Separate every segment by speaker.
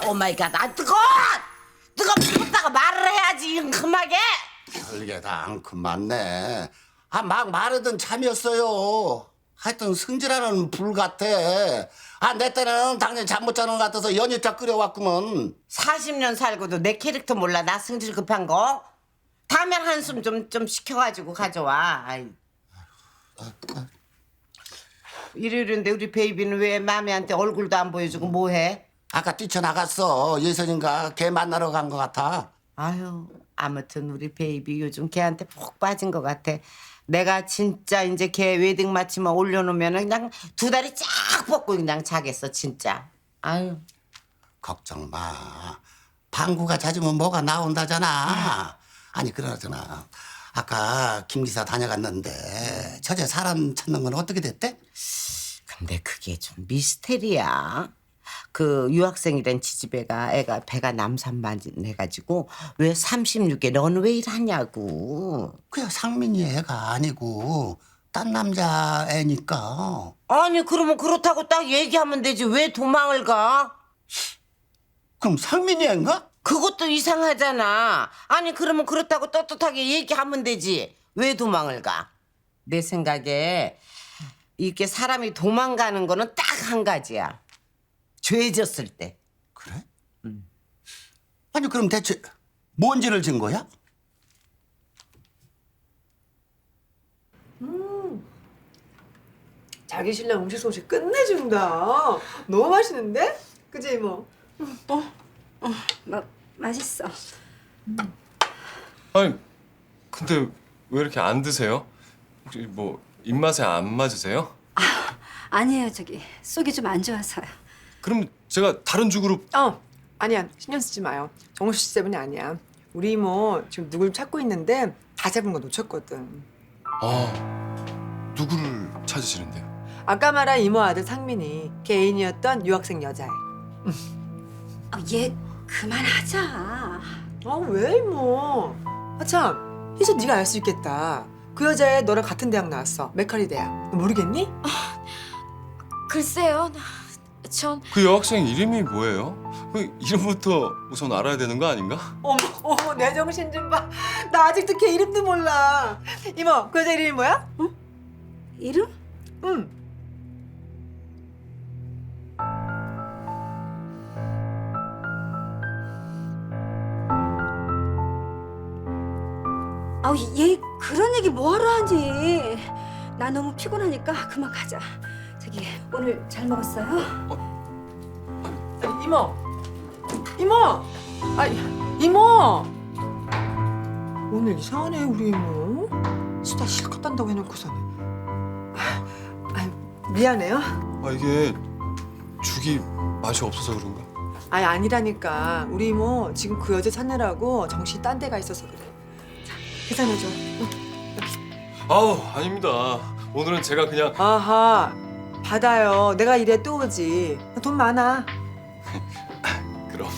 Speaker 1: 오 마이 갓, 아 뜨거워! 뜨겁다가 말을 해야지 잉큼하게.
Speaker 2: 별게 다 앙큼 많네. 아, 막 말하던 참이었어요. 하여튼 승질하는 불 같아. 아, 내 때는 당연히 잠 못 자는 것 같아서 연유차 끓여왔구먼.
Speaker 1: 40년 살고도 내 캐릭터 몰라. 나 승질 급한 거. 다음엔 한숨 좀 시켜가지고 가져와. 아이. 일요일인데 우리 베이비는 왜 마미한테 얼굴도 안 보여주고 뭐해?
Speaker 2: 아까 뛰쳐나갔어. 예선인가 걔 만나러 간 것 같아.
Speaker 1: 아유, 아무튼 우리 베이비 요즘 걔한테 푹 빠진 것 같아. 내가 진짜 이제 걔 웨딩 마치만 올려놓으면 그냥 두 다리 쫙 뻗고 그냥 자겠어 진짜. 아유.
Speaker 2: 걱정 마. 방구가 잦으면 뭐가 나온다잖아. 아니 그러잖아. 아까 김 기사 다녀갔는데 저제 사람 찾는 건 어떻게 됐대?
Speaker 1: 근데 그게 좀 미스테리야. 그 유학생이란 지지배가 애가 배가 남산반해가지고 왜 36에 런웨이를 하냐고.
Speaker 2: 그야 상민이 애가 아니고 딴 남자 애니까.
Speaker 1: 아니 그러면 그렇다고 딱 얘기하면 되지 왜 도망을 가?
Speaker 2: 그럼 상민이 애인가?
Speaker 1: 그것도 이상하잖아. 아니 그러면 그렇다고 떳떳하게 얘기하면 되지 왜 도망을 가? 내 생각에 이렇게 사람이 도망가는 거는 딱 한 가지야. 죄졌을 때.
Speaker 2: 그래? 아니 그럼 대체 뭔 죄를 진 거야?
Speaker 3: 자기 신랑 음식 솜씨 끝내준다. 너무 맛있는데? 그지 이모?
Speaker 4: 맛있어.
Speaker 5: 아니 근데 왜 이렇게 안 드세요? 혹시 뭐 입맛에 안 맞으세요?
Speaker 4: 아니에요, 저기 속이 좀 안 좋아서요.
Speaker 5: 그럼 제가 다른 죽으로
Speaker 3: 아니야 신경 쓰지 마요. 정우씨 씨 때문이 아니야. 우리 이모 지금 누굴 찾고 있는데 다 잡은 거 놓쳤거든.
Speaker 5: 아 누구를 찾으시는데요?
Speaker 3: 아까 말한 이모 아들 상민이 걔 애인이었던 유학생 여자애.
Speaker 4: 얘 그만하자.
Speaker 3: 아 왜 이모? 아참 희수 네가 알 수 있겠다. 그 여자애 너랑 같은 대학 나왔어. 메카리 대학. 너 모르겠니?
Speaker 4: 글쎄요, 전
Speaker 5: 그 여학생 이름이 뭐예요? 그 이름부터 우선 알아야 되는 거 아닌가?
Speaker 3: 어머 내 정신 좀 봐. 나 아직도 걔 이름도 몰라. 이모 그 여자 이름이 뭐야?
Speaker 4: 이름?
Speaker 3: 응.
Speaker 4: 얘 그런 얘기 뭐하러 하니? 나 너무 피곤하니까 그만 가자. 저기 오늘 잘 먹었어요?
Speaker 3: 이모, 이모, 이모. 오늘 이상하네 우리 이모. 수다 실컷 딴다고 해놓고서는. 미안해요.
Speaker 5: 이게 죽이 맛이 없어서 그런가?
Speaker 3: 아니라니까 우리 이모 지금 그 여자 찾느라고 정신이 딴 데가 있어서 그래. 자, 계산해줘.
Speaker 5: 아닙니다. 오늘은 제가 그냥
Speaker 3: 아하, 받아요. 내가 이래 또 오지. 돈 많아.
Speaker 5: 그럼.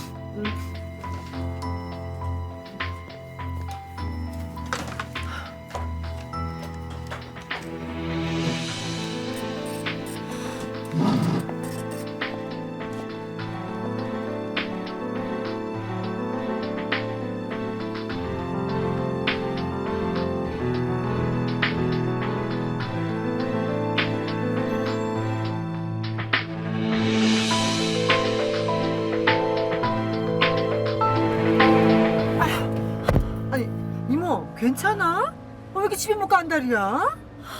Speaker 3: 아니, 이모 괜찮아? 왜 이렇게 집에 못 간다리야?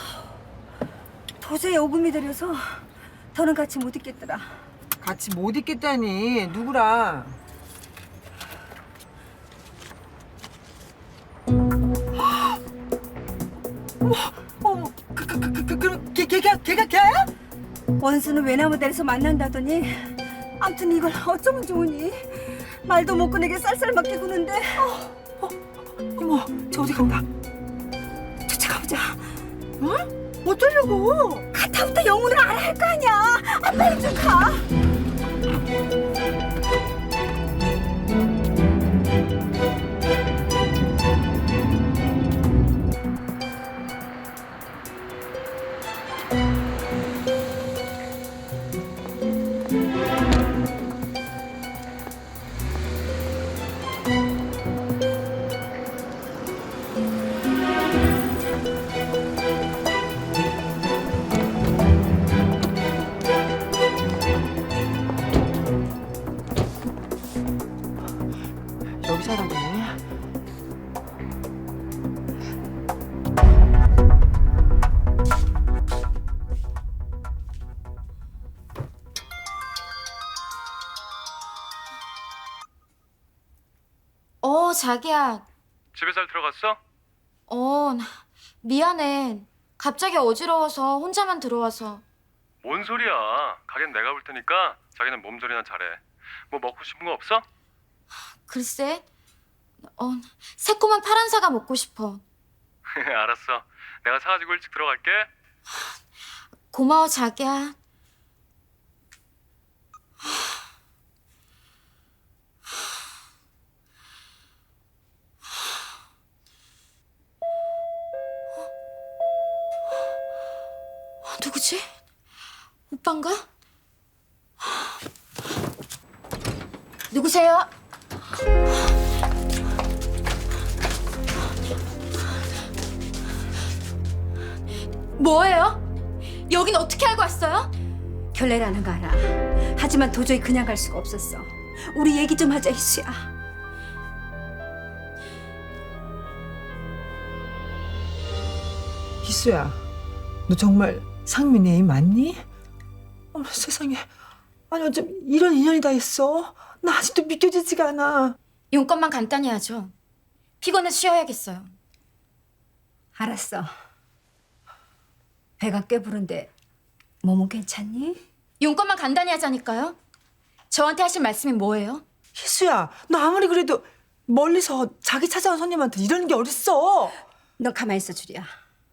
Speaker 4: 도저히 오금이 들여서 더는 같이 못 있겠더라.
Speaker 3: 같이 못 있겠다니 누구랑? 어머, 그럼 걔가 걔야?
Speaker 4: 원수는 외나무다리에서 만난다더니 아무튼 이걸 어쩌면 좋으니 말도 못 꺼내게 쌀쌀맞게 구는데
Speaker 3: 이모, 저 어디 간다?
Speaker 4: 쫓아가보자.
Speaker 3: 응? 어쩌려고?
Speaker 4: 가타부터 영문을 알아야 할 거 아니야. 빨리 좀 가.
Speaker 6: 자기야.
Speaker 5: 집에 잘 들어갔어?
Speaker 6: 미안해. 갑자기 어지러워서 혼자만 들어와서.
Speaker 5: 뭔 소리야. 가게는 내가 볼 테니까 자기는 몸조리나 잘해. 뭐 먹고 싶은 거 없어?
Speaker 6: 글쎄, 새콤한 파란 사과 먹고 싶어.
Speaker 5: 알았어. 내가 사가지고 일찍 들어갈게.
Speaker 6: 고마워, 자기야. 누구지? 오빠인가? 누구세요? 뭐예요? 여긴 어떻게 알고 왔어요?
Speaker 4: 결례라는 거 알아. 하지만 도저히 그냥 갈 수가 없었어. 우리 얘기 좀 하자, 희수야.
Speaker 3: 희수야, 너 정말 상민이 애인 맞니? 어머 세상에, 아니 어쩜 이런 인연이 다 있어? 나 아직도 믿겨지지가 않아.
Speaker 6: 용건만 간단히 하죠. 피곤해 쉬어야겠어요.
Speaker 4: 알았어. 배가 꽤 부른데 몸은 괜찮니?
Speaker 6: 용건만 간단히 하자니까요. 저한테 하실 말씀이 뭐예요?
Speaker 3: 희수야, 너 아무리 그래도 멀리서 자기 찾아온 손님한테 이러는 게 어딨어?
Speaker 4: 너 가만히 있어, 주리야.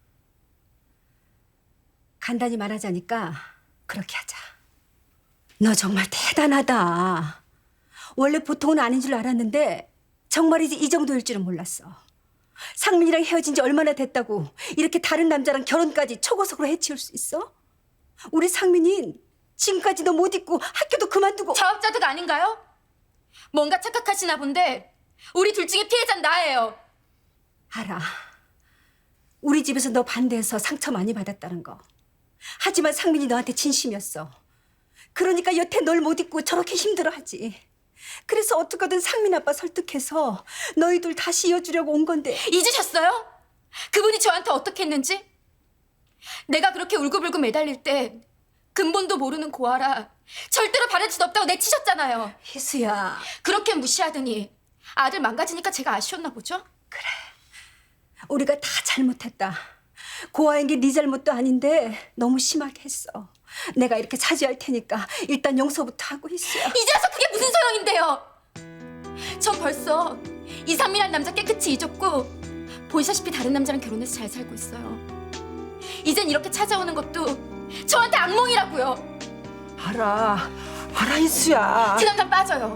Speaker 4: 간단히 말하자니까 그렇게 하자. 너 정말 대단하다. 원래 보통은 아닌 줄 알았는데 정말이지 이 정도일 줄은 몰랐어. 상민이랑 헤어진 지 얼마나 됐다고 이렇게 다른 남자랑 결혼까지 초고속으로 해치울 수 있어? 우리 상민이 지금까지 너 못 잊고 학교도 그만두고.
Speaker 6: 자업자득 아닌가요? 뭔가 착각하시나 본데 우리 둘 중에 피해자는 나예요.
Speaker 4: 알아. 우리 집에서 너 반대해서 상처 많이 받았다는 거. 하지만 상민이 너한테 진심이었어. 그러니까 여태 널 못 잊고 저렇게 힘들어하지. 그래서 어떻게든 상민 아빠 설득해서 너희 둘 다시 이어주려고 온 건데.
Speaker 6: 잊으셨어요? 그분이 저한테 어떻게 했는지? 내가 그렇게 울고불고 매달릴 때 근본도 모르는 고아라 절대로 바랄 수 없다고 내치셨잖아요.
Speaker 4: 희수야.
Speaker 6: 그렇게 무시하더니 아들 망가지니까 제가 아쉬웠나 보죠?
Speaker 4: 우리가 다 잘못했다. 고아인 게 네 잘못도 아닌데 너무 심하게 했어. 내가 이렇게 차지할 테니까 일단 용서부터 하고 희수야.
Speaker 6: 이제 와서 그게 무슨 소용인데요? 전 벌써 이상민이라는 남자 깨끗이 잊었고 보이시다시피 다른 남자랑 결혼해서 잘 살고 있어요. 이젠 이렇게 찾아오는 것도 저한테 악몽이라고요.
Speaker 3: 알아 희수야.
Speaker 6: 그 남자 빠져요.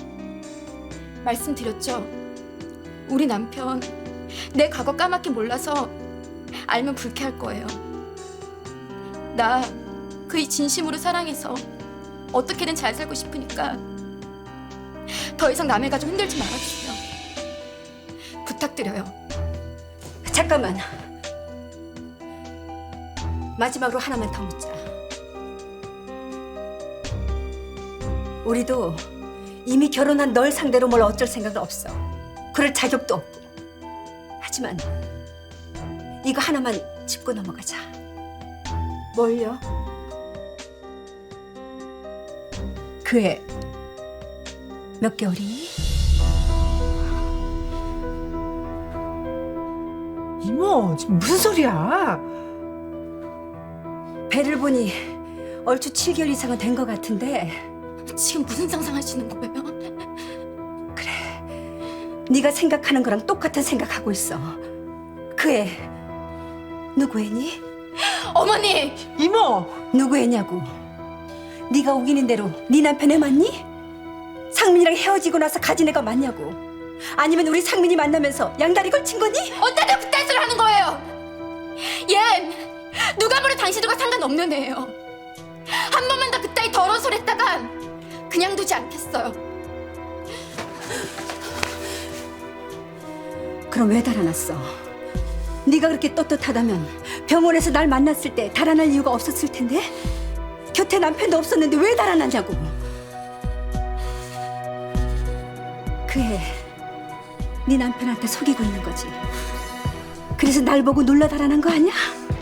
Speaker 6: 말씀드렸죠. 우리 남편 내 과거 까맣게 몰라서 알면 불쾌할 거예요. 나 그이 진심으로 사랑해서 어떻게든 잘 살고 싶으니까 더 이상 남의 가족 흔들지 말아주세요. 부탁드려요.
Speaker 4: 잠깐만. 마지막으로 하나만 더 묻자. 우리도 이미 결혼한 널 상대로 뭘 어쩔 생각은 없어. 그럴 자격도 없고. 하지만 이거 하나만 짚고 넘어가자.
Speaker 6: 뭘요?
Speaker 4: 그 애 몇 개월이니?
Speaker 3: 이모 지금 무슨 소리야?
Speaker 4: 배를 보니 얼추 7개월 이상은 된 것 같은데.
Speaker 6: 지금 무슨 상상하시는 거예요?
Speaker 4: 네가 생각하는 거랑 똑같은 생각하고 있어. 그 애 누구 애니?
Speaker 6: 어머니!
Speaker 3: 이모.
Speaker 4: 누구 애냐고. 네가 우기는 대로 네 남편 애 맞니? 상민이랑 헤어지고 나서 가진 애가 맞냐고. 아니면 우리 상민이 만나면서 양다리 걸친 거니?
Speaker 6: 어디다 그딴 소리 하는 거예요? 얜 누가 뭐래 당신들과 상관없는 애예요. 한 번만 더 그따위 더러운 소리 했다간 그냥 두지 않겠어요.
Speaker 4: 그럼 왜 달아났어? 네가 그렇게 떳떳하다면 병원에서 날 만났을 때 달아날 이유가 없었을 텐데. 곁에 남편도 없었는데 왜 달아났냐고. 그 애 네 남편한테 속이고 있는 거지. 그래서 날 보고 놀라 달아난 거 아니야?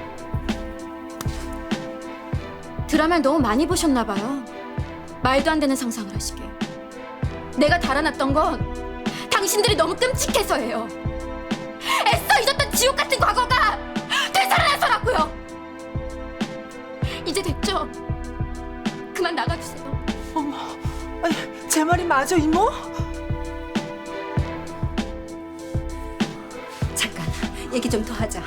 Speaker 6: 드라마를 너무 많이 보셨나 봐요. 말도 안 되는 상상을 하시게. 내가 달아났던 건 당신들이 너무 끔찍해서예요. 애써 잊었던 지옥 같은 과거가 되살아나서라고요. 이제 됐죠? 그만 나가주세요.
Speaker 3: 어머, 아니, 제 말이 맞아, 이모?
Speaker 4: 잠깐 얘기 좀 더 하자.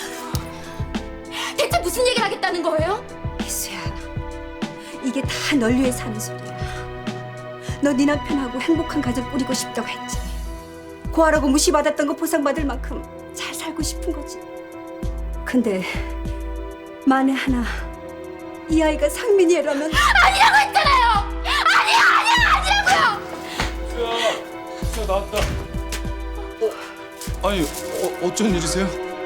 Speaker 6: 대체 무슨 얘기를 하겠다는 거예요?
Speaker 4: 희수야, 이게 다 널 위해 사는 소리야. 너 네 남편하고 행복한 가정 꾸리고 싶다고 했지. 고아라고 무시받았던 거 보상받을 만큼 잘 살고 싶은 거지. 근데 만에 하나 이 아이가 상민이 애라면
Speaker 6: 아니라고 했잖아요. 아니라고요.
Speaker 5: 자 나왔다. 아니 어쩐 일이세요?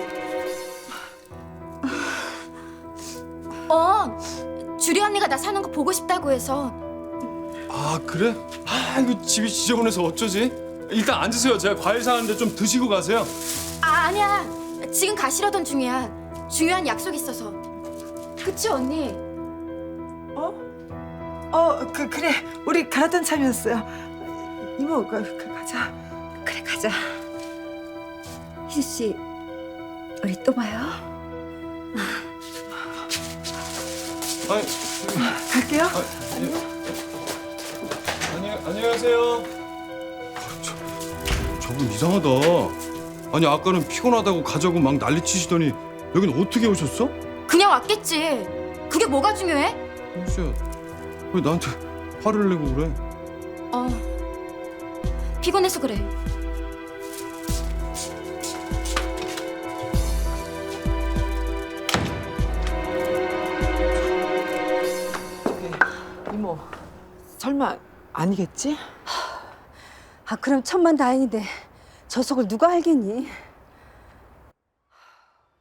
Speaker 6: 주리 언니가 나 사는 거 보고 싶다고 해서.
Speaker 5: 아 그래? 아 이거 집이 지저분해서 어쩌지? 일단 앉으세요. 제가 과일 사는데 좀 드시고 가세요.
Speaker 6: 아니야. 지금 가시려던 중이야. 중요한 약속 있어서. 그치 언니?
Speaker 3: 그래. 우리 갈았던 참이었어요. 이모, 가자.
Speaker 4: 그래 가자. 희수 씨, 우리 또 봐요.
Speaker 5: 아니
Speaker 3: 갈게요.
Speaker 5: 안녕하세요. 저분 이상하다. 아니 아까는 피곤하다고 가자고 막 난리치시더니 여긴 어떻게 오셨어?
Speaker 6: 그냥 왔겠지. 그게 뭐가 중요해?
Speaker 5: 희수야 왜 나한테 화를 내고 그래?
Speaker 6: 피곤해서 그래.
Speaker 3: 이모, 설마 아니겠지?
Speaker 4: 아 그럼 천만다행인데 저 속을 누가 알겠니?